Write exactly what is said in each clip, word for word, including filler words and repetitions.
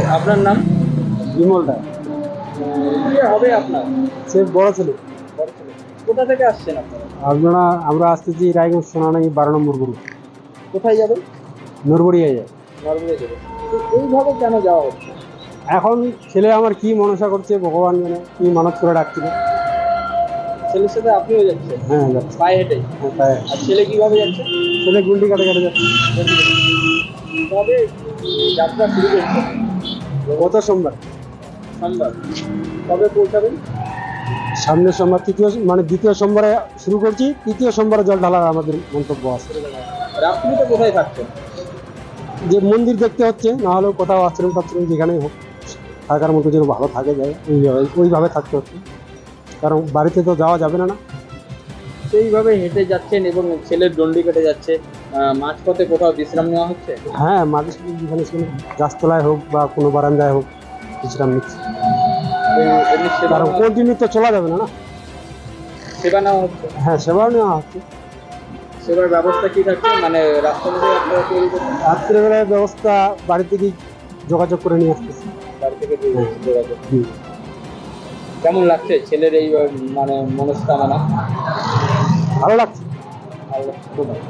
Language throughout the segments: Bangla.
আপনার নাম? বিমল রায়। কি হবে আপনার? সে বড় ছেলে। বড় ছেলে। কোথা থেকে আসছেন আপনারা? আপনারা আমরা আসতেছি রায়গঞ্জ সোনানাই বারো নম্বর গ্রুপ। কোথায় যাবেন? নরবড়িয়ায় যায়। নরওয়ে যাবেন। তো এইভাবে কেন যাওয়া হচ্ছে? এখন ছেলে আমার কি মনসা করছে ভগবান জানে, কি মানত করে ডাকছিল। ছেলের সাথে আপনিও যাচ্ছেন? হ্যাঁ যাচ্ছে। পায়ে হেঁটে? হ্যাঁ তাই। আর ছেলে কিভাবে যাচ্ছে? ছেলে গুন্ডি কাটে কাটে যাচ্ছে। কবে যাত্রা শুরু করছে? গত সোমবার। সোমবার। কবে পৌঁছাবেন? সামনের সোমবার তৃতীয় মানে দ্বিতীয় সোমবারে শুরু করছি, তৃতীয় সোমবারে জল ঢালার আমাদের মন্তব্য আছে। রাত্রিতে কোথায় থাকছেন? যে মন্দির দেখতে হচ্ছে, না হলেও কোথাও আশ্রম টাশ্রম যেখানেই হোক থাকার মতো যেন ভালো থাকে যায় ওইভাবে ওইভাবে থাকতে হচ্ছে, কারণ বাড়িতে তো যাওয়া যাবে না না। সেইভাবে হেঁটে যাচ্ছেন এবং ছেলের ডন্ডি কেটে যাচ্ছে। আহ, মাঝপথে কোথাও বিশ্রাম নেওয়া হচ্ছে? হ্যাঁ মাঝে সাঝে যেখানে সেখানে গাছতলায় হোক বা কোনো বারান্দায় হোক বিশ্রাম নিচ্ছি, এই- এমনি সেবা কারণ নেওয়া- কন্টিনিউ তো চলা যাবে না না। সেবা নেওয়া হচ্ছে? হ্যাঁ সেবাও নেওয়া হচ্ছে। সেবার ব্যবস্থা কি থাকছে, মানে রাস্তার মধ্যে আপনারা তৈরি করছেন? রাত্রেবেলায় ব্যবস্থা বাড়ি থেকেই যোগাযোগ করে নিয়ে আসতেছি। বাড়ি থেকে দিয়ে দিচ্ছি যোগাযোগ। হুম। কেমন লাগছে ছেলের এই আহ, মানে মনস্কামনা? ভালো লাগছে। ভালো লাগছে খুব ভালো।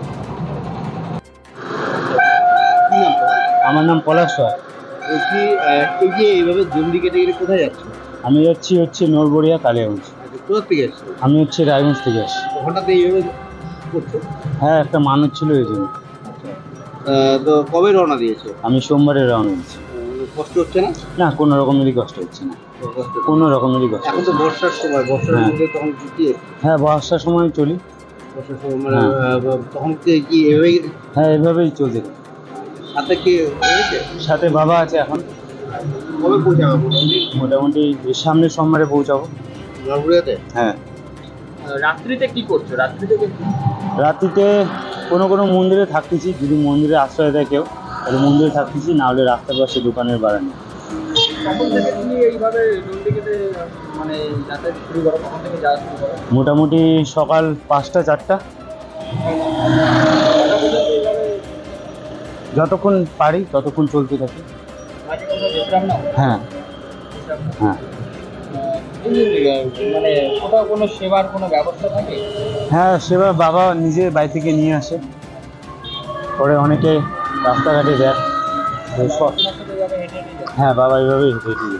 কি নাম তোমার? আমার নাম পলাশ রায়। এই কি আহ, এই যে এইভাবে জন্ডি কেটে কেটে কোথায় যাচ্ছ? আমি যাচ্ছি হচ্ছে নরবড়িয়া কালিয়াগঞ্জ। আচ্ছা, কোথা থেকে এসছো? আমি হচ্ছে রায়গঞ্জ থেকে আসছি। হঠাৎ এইভাবে করছো? হ্যাঁ একটা মানত ছিল এই জন্য। আহ, তো কবে রওনা দিয়েছো? আমি সোমবারে রওনা দিচ্ছি। আহ, কষ্ট হচ্ছে না? না কোনো রকমেরই কষ্ট হচ্ছে না, কষ্ট হচ্ছে? কোনো রকমেরই কষ্ট এখন হচ্ছে তো না। বর্ষার সময়, বর্ষার হ্যাঁ। মধ্যে তখন কি কি হ্যাঁ বর্ষার সময় চলি। বর্ষার সময় মানে হ্যাঁ। আহ, তখন কি কি এভাবেই হ্যাঁ এভাবেই চলছে। হাতে কি হয়েছে? সাথে বাবা আছে এখন। কবে পৌঁছাবে মোটামুটি মোটামুটি সামনের সোমবারে পৌঁছাবো। নরবুড়িয়াতে? হ্যাঁ আহ, রাত্রিতে কি করছো? রাত্রিতে কি- রাত্রিতে কোনো কোনো মন্দিরে থাকতেছি, যদি মন্দিরে আশ্রয় দেয় কেউ তাহলে মন্দিরে থাকতেছি, না হলে রাস্তার পাশে দোকানের বারান্দা। কখন থেকে তুমি এইভাবে ডন্ডি কেটে মানে যাতায়াত শুরু করো? কখন থেকে যাওয়া শুরু করো? মোটামুটি সকাল পাঁচটা চারটা, কটা পর্যন্ত এইভাবে যতক্ষণ পারি ততক্ষণ চলতে থাকি। মাঝে কোথাও বিশ্রাম নাও? হ্যাঁ বিশ্রাম নাও। হ্যাঁ আহ, এই যে, আহ, মানে কোথাও কোনো সেবার কোনো ব্যবস্থা থাকে? হ্যাঁ সেবার বাবা নিজে বাড়ি থেকে নিয়ে আসে, পরে অনেকে রাস্তাঘাটে দেয়। তো সব- আপনার সাথে এইভাবে হেঁটে হেঁটে যাও? হ্যাঁ বাবা এইভাবেই হেঁটে হেঁটে যায়।